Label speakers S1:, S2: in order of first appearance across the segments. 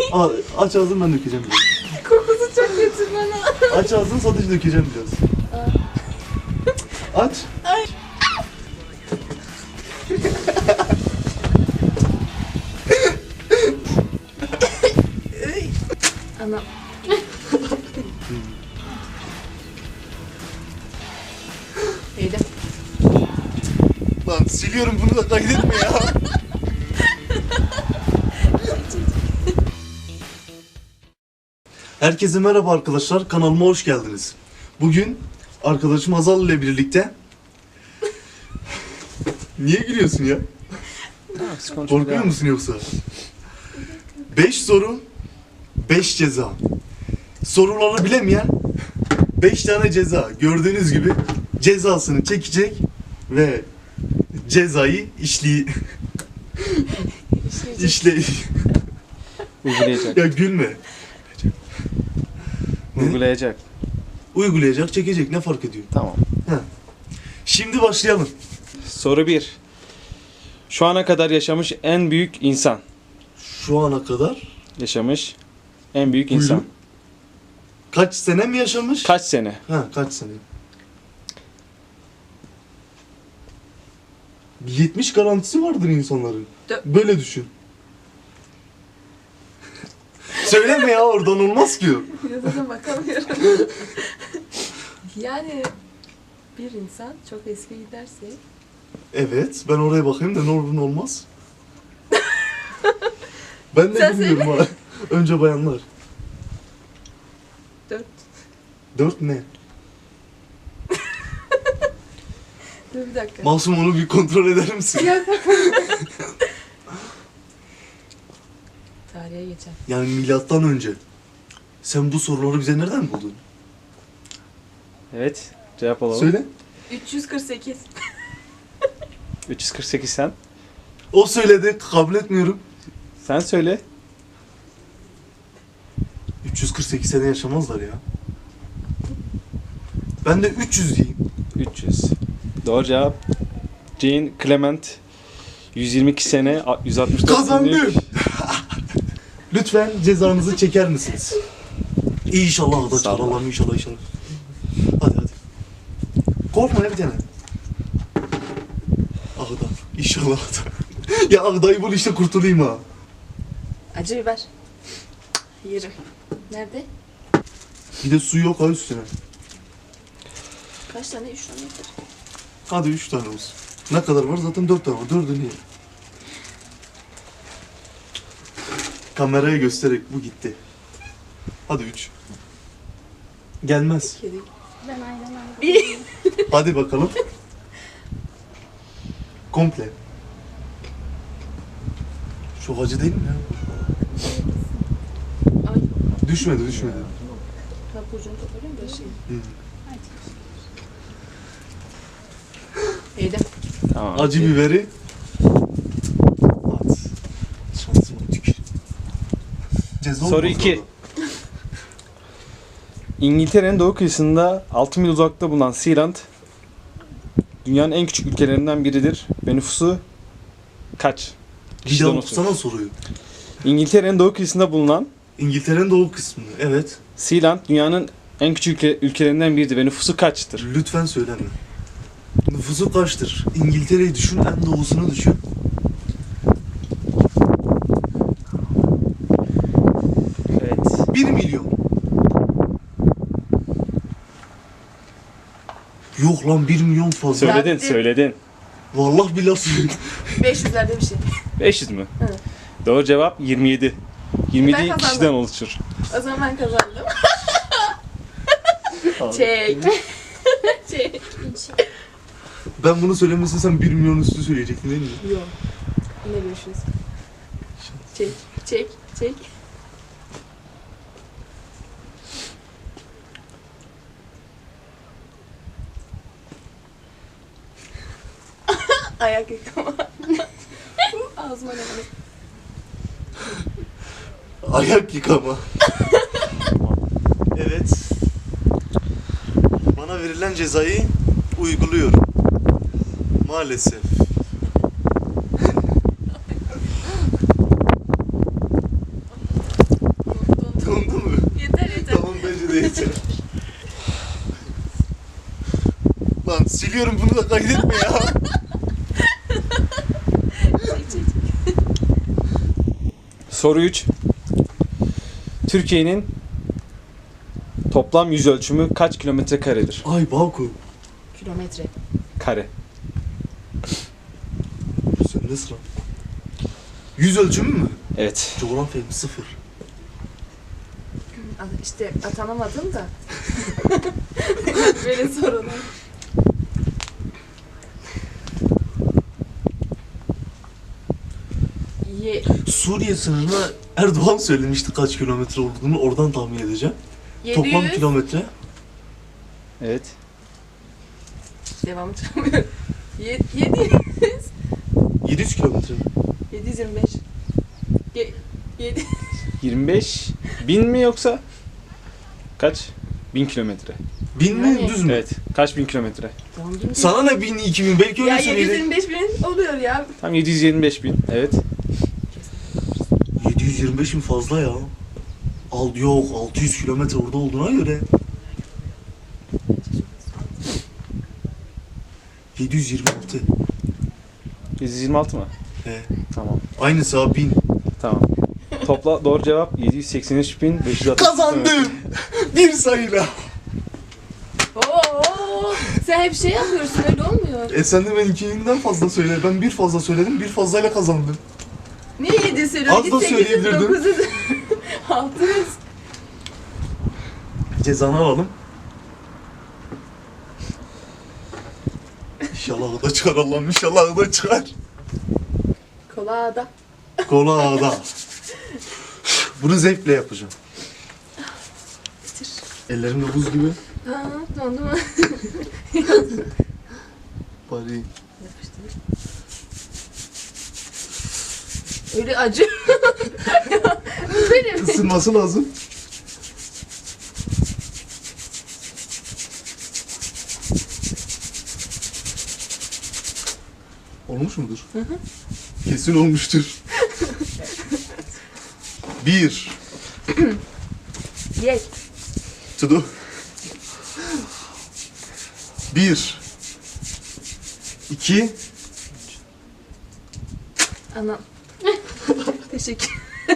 S1: Aç ağzını, ben dökeceğim biraz.
S2: Kokusu çok kötü bana.
S1: Aç ağzını, sadece dökeceğim biraz. Aç.
S2: Ay. Anam. Yedim.
S1: Lan siliyorum, bunu da kaydetme ya. Herkese merhaba arkadaşlar, kanalıma hoş geldiniz. Bugün arkadaşım Hazal ile birlikte... Niye gülüyorsun ya? Korkuyor musun yoksa? 5 soru, 5 ceza. Soruları bilemeyen 5 tane ceza. Gördüğünüz gibi cezasını çekecek ve cezayı
S3: Uygulayacak.
S1: Ya gülme.
S3: Uygulayacak.
S1: Uygulayacak, çekecek, ne fark ediyor?
S3: Tamam.
S1: Şimdi başlayalım.
S3: Soru 1. Şu ana kadar yaşamış en büyük insan.
S1: Şu ana kadar
S3: Yaşamış en büyük
S1: Buyurun.
S3: insan.
S1: kaç sene mi yaşamış?
S3: Kaç sene?
S1: Kaç sene? 70 garantisi vardır insanların. Böyle düşün. Söyleme ya, oradan olmaz ki o.
S2: Yazına bakamıyorum. Yani bir insan çok eski giderse
S1: Evet, ben oraya bakayım da ne olur ne olmaz. Ben de
S2: Sen
S1: bilmiyorum ha. Önce bayanlar.
S2: 4.
S1: 4 ne?
S2: Dur bir dakika.
S1: Masum, onu bir kontrol eder misin?
S2: Tarihe geçen.
S1: Yani milattan önce. Sen bu soruları bize nereden buldun?
S3: Evet. Cevap alalım.
S1: Söyle.
S2: 348.
S3: 348 sen.
S1: O söyledi, kabul etmiyorum.
S3: Sen söyle.
S1: 348 sene yaşamazlar ya. Ben de 300 diyeyim.
S3: 300. Doğru cevap. Jean Clement 122 sene 164
S1: Kazandım.
S3: günlük.
S1: Lütfen cezanızı çeker misiniz? İnşallah da
S3: Sağ ol.
S1: çıkar Allah'ım, inşallah. Hadi. Korkma ya bir tane. Ağda. İnşallah ağda. Ya ağdayı bul işte, kurtulayım ha.
S2: Acı biber. Yerim. Nerede?
S1: Bir de su yok ha üstüne.
S2: Kaç tane? 3 tane yeter.
S1: Hadi 3 tane olsun. Ne kadar var? Zaten 4 tane var. 4'ü niye? Kameraya göstererek bu gitti. Hadi 3. Gelmez.
S2: Kedi.
S4: Ben ayranım.
S2: 1.
S1: Hadi bakalım. Komple. Çok acı değil mi ya?
S2: Ay.
S1: Düşmedi.
S2: Kapucunu toparlayayım da şey.
S1: Hı.
S2: Yedim.
S3: Tamam.
S1: Acı biberi. At. Şansıma tükür. Ceza
S3: Soru
S1: olmaz
S3: 2.
S1: orada.
S3: İngiltere'nin doğu kıyısında 6 mil uzakta bulunan Sealand dünyanın en küçük ülkelerinden biridir ve nüfusu kaç?
S1: Bir
S3: Kişiden
S1: daha
S3: olsun.
S1: okusana soruyu.
S3: İngiltere'nin doğu kıyısında bulunan
S1: İngiltere'nin doğu kısmı. Evet.
S3: Sealand dünyanın en küçük ülkelerinden biridir ve nüfusu kaçtır?
S1: Lütfen söyleme. Nüfusu kaçtır? İngiltere'yi düşün, en doğusunu düşün.
S3: Evet.
S1: 1 milyon. Yok lan, 1 milyon fazla.
S3: Söyledin.
S1: Vallahi billahi söyledim.
S2: 500'lerde bir şey.
S3: 500 mü?
S2: Evet.
S3: Doğru cevap 27. 27
S2: Ben kazandım.
S3: kişiden oluşur.
S2: O zaman ben kazandım. Çek. Çek.
S1: Ben bunu söylemesem sen 1 milyon üstü söyleyecektin değil mi?
S2: Yok. Yine görüşürüz. Çek. Ayak yıkama. Ağzıma ne var?
S1: Ayak yıkama. Evet. Bana verilen cezayı uyguluyorum. Maalesef. çekiyorum, bunu da kaydetme ya.
S2: Çek.
S3: Soru 3. Türkiye'nin toplam yüz ölçümü kaç kilometre karedir?
S1: Ay Baku.
S2: Kilometre.
S3: Kare.
S1: Sende sıra. Yüz ölçümü mü?
S3: Evet.
S1: Coğrafyam 0.
S2: İşte atanamadım da. Böyle sorunlar.
S1: Suriye sınırına Erdoğan söylemişti kaç kilometre olduğunu, oradan tahmin edeceğim.
S2: 700.
S1: Toplam kilometre.
S3: Evet.
S2: Devamı çıkamıyorum. 700.
S1: 700 kilometre mi?
S2: 725. 7.
S3: 25 bin mi yoksa kaç? 1000 kilometre.
S1: 1000 mi,
S2: Yani-
S1: düz mü?
S3: Evet. Kaç bin kilometre?
S2: Tamam gibi.
S1: Sana ne 1000, 2000, belki öyle
S2: Ya
S1: söyleyelim.
S2: 725 bin oluyor ya.
S3: Tam 725 bin. Evet.
S1: 725 mi fazla ya? Yok, 600 kilometre orada olduğuna göre. 726.
S3: 726 mı?
S1: He.
S3: Tamam.
S1: Aynısı abi 1000.
S3: Tamam. Topla doğru cevap 783.560.
S1: Kazandım. Bir sayıyla.
S2: Oo, sen hep şey yapıyorsun, öyle olmuyor.
S1: Sen de benimkinden fazla söyle. Ben bir fazla söyledim, bir fazlayla kazandım.
S2: Niye 7 söylüyorsun?
S1: Az da söyleyebilirdim.
S2: 900, 600.
S1: Cezanı alalım. İnşallah o da çıkar Allah'ım, inşallah o da çıkar.
S2: Kolada.
S1: Kola ağda. Bunu zevkle yapacağım.
S2: Bitir.
S1: Ellerim de buz gibi.
S2: Ha, dondu mu?
S1: Bari.
S2: Yapıştır. Öyle acı. Böyle mi?
S1: Isınması lazım. Olmuş mudur?
S2: Hı hı.
S1: Kesin olmuştur. 1
S2: Ye.
S1: Tudu. 1 2
S2: Anam. Teşekkür.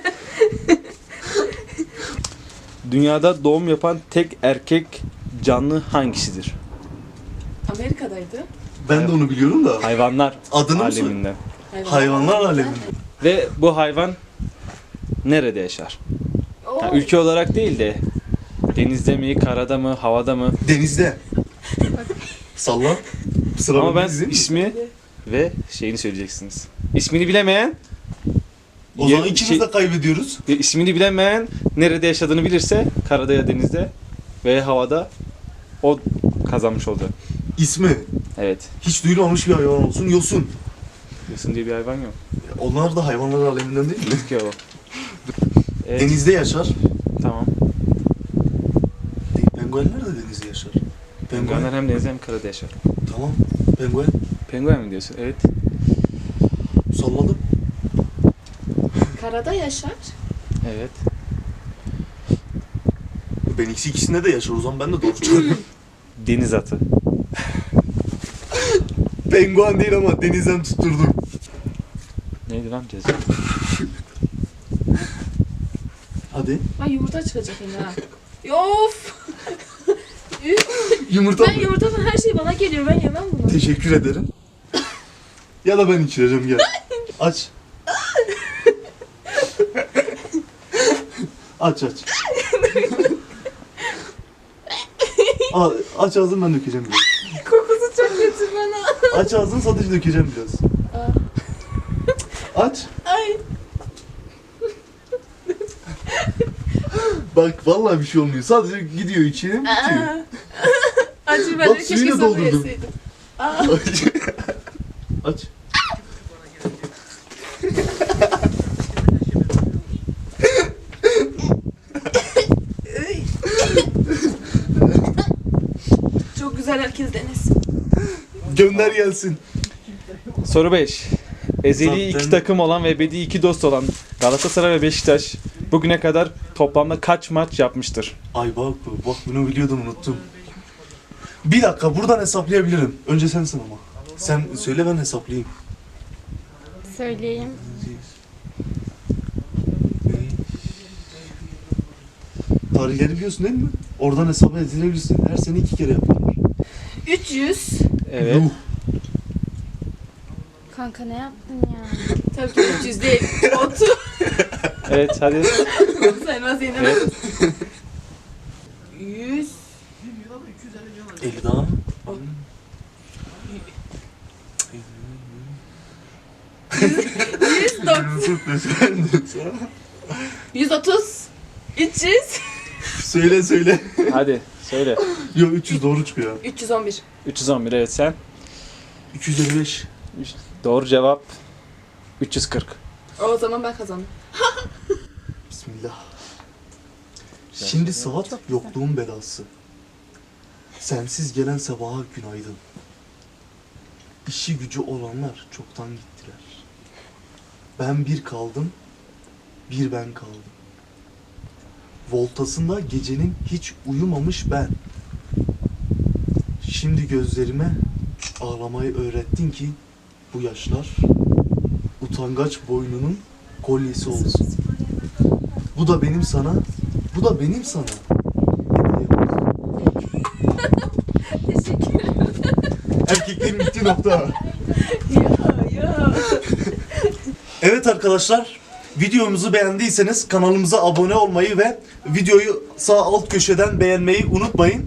S3: Dünyada doğum yapan tek erkek canlı hangisidir?
S2: Amerika'daydı.
S1: Ben de onu biliyorum da.
S3: Hayvanlar
S1: Adını mı söyle?
S3: aleminde.
S1: Hayvanlar aleminde.
S3: Ve bu hayvan nerede yaşar?
S2: Oo.
S3: Ha, ülke olarak değil de denizde mi, karada mı, havada mı?
S1: Denizde. Salla. Sıra
S3: Ama ben
S1: bende değil mi?
S3: ismi ve şeyini söyleyeceksiniz. İsmini bilemeyen
S1: O zaman ikimiz de kaybediyoruz.
S3: ismini bilemeyen nerede yaşadığını bilirse karada ya denizde ve havada o kazanmış oldu.
S1: İsmi
S3: Evet.
S1: hiç duyulmamış bir hayvan olsun. Yosun.
S3: Yosun diye bir hayvan yok.
S1: Onlar da hayvanlar aleminden değil mi?
S3: Bitki o. Evet.
S1: Denizde yaşar.
S3: Tamam.
S1: Penguenler de denizde yaşar.
S3: Penguenler hem denizde hem karada yaşar.
S1: Tamam. Penguen.
S3: Penguen mi diyorsun? Evet.
S1: Salladım.
S2: Karada yaşar.
S3: Evet.
S1: Ben ikisinde de yaşar. O zaman ben de doğru çıkarıyorum.
S3: Deniz atı.
S1: Penguen değil ama denizden tutturdum.
S3: Neydi lan ceza?
S1: Hadi.
S2: Ay yumurta çıkacak yine ha. Of.
S1: Yumurta
S2: Ben
S1: mı?
S2: yumurta falan her şey bana geliyor. Ben yemem bunu.
S1: Teşekkür ederim. Ya da ben içireceğim, gel. Aç. Aç. Aç ağzını, ben dökeceğim biraz.
S2: Kokusu çok kötü bana.
S1: Aç ağzını, sadece dökeceğim biraz.
S2: Aa.
S1: Aç.
S2: Ay.
S1: Bak vallahi bir şey olmuyor. Sadece gidiyor içine, bitiyor.
S2: Aa. Acı ben
S1: Bak,
S2: de keşke
S1: suyunu
S2: sopa
S1: doldurdum.
S2: yeseydim. Aa.
S1: Aç.
S2: Ay. Çok güzel, herkes denesin.
S1: Gönder gelsin.
S3: Soru 5. Ezeli
S1: Zaten-
S3: iki takım olan ve ebedi iki dost olan Galatasaray ve Beşiktaş bugüne kadar toplamda kaç maç yapmıştır?
S1: Ay bak bunu biliyordum, unuttum. Bir dakika buradan hesaplayabilirim. Önce sensin ama. Sen söyle ben hesaplayayım.
S4: Söyleyeyim.
S1: Tarihleri biliyorsun değil mi? Oradan hesap edilebilirsin. Her sene 2 kere yapıyorlar.
S2: 300.
S3: Evet.
S1: Yuh.
S4: Kanka ne yaptın ya?
S2: Tabii ki 300 değil. 30.
S3: Evet hadi.
S2: Saymaz yine.
S3: Evet.
S2: 100.
S1: 50 daha.
S2: 130. 300.
S1: Söyle.
S3: Hadi söyle.
S1: Yok 300 doğru çıkıyor.
S2: 311.
S3: 311 evet sen.
S1: 255.
S3: Doğru cevap 340.
S2: O zaman ben kazandım.
S1: Bismillah. Şimdi saat yokluğun belası. Sensiz gelen sabaha günaydın. İşi gücü olanlar çoktan gittiler. Ben bir kaldım, bir ben kaldım. Voltasında gecenin hiç uyumamış ben. Şimdi gözlerime ağlamayı öğrettin ki bu yaşlar utangaç boynunun kolyesi olsun. Bu da benim sana, bu da benim sana.
S2: Teşekkür ederim.
S1: Erkeklerin bittiği nokta.
S2: Ya.
S1: Evet arkadaşlar, videomuzu beğendiyseniz kanalımıza abone olmayı ve videoyu sağ alt köşeden beğenmeyi unutmayın.